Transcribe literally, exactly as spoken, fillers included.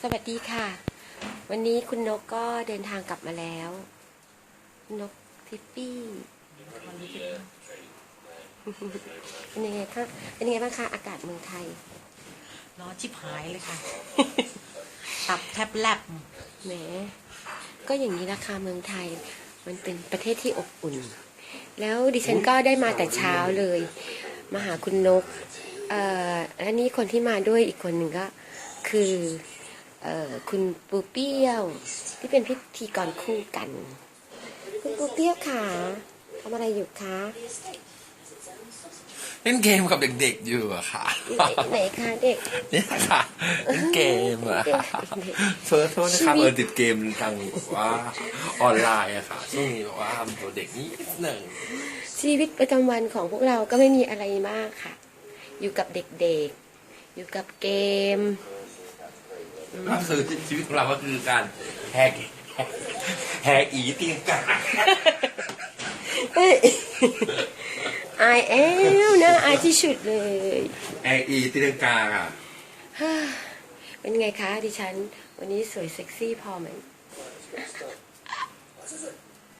สวัสดีค่ะวันนี้คุณนกก็เดินทางกลับมาแล้วนกทิปปี้เป็นยังไงคะเป็นยังไงบ้างคะอากาศเมืองไทยร้อนชิบหายเลยค่ะ ตับแทบแลบแหมก็อย่างนี้ราคาเมืองไทยมันเป็นประเทศที่อบอุ่นแล้วดิฉันก็ได้มาแต่เช้าเลยมาหาคุณนกเอ่อและนี่คนที่มาด้วยอีกคนหนึ่งก็คือเอ่อคุณปูเปี้ยวที่เป็นพิธีกรคู่กันคุณปูเปี้ยวค่ะทำอะไรอยู่คะเล่นเกมกับเด็กๆอยู่อะค่ะไหนคะเด็กเนี่ยค่ะเล่นเกมอะเฟิร์สโทษนะครับเออติดเกมทางว่าออนไลน์อะค่ะช่วงนี้แบบว่าทำตัวเด็กนิดหนึ่งชีวิตประจำวันของพวกเราก็ไม่มีอะไรมากค่ะอยู่กับเด็กๆอยู่กับเกมก็คือชีวิตของเราก็คือการแฮกแฮกอีตีนกันอายแอลนะอายที่สุดเลยแฮกอีตีนกาค่ะเป็นไงคะดิฉันวันนี้สวยเซ็กซี่พอไหม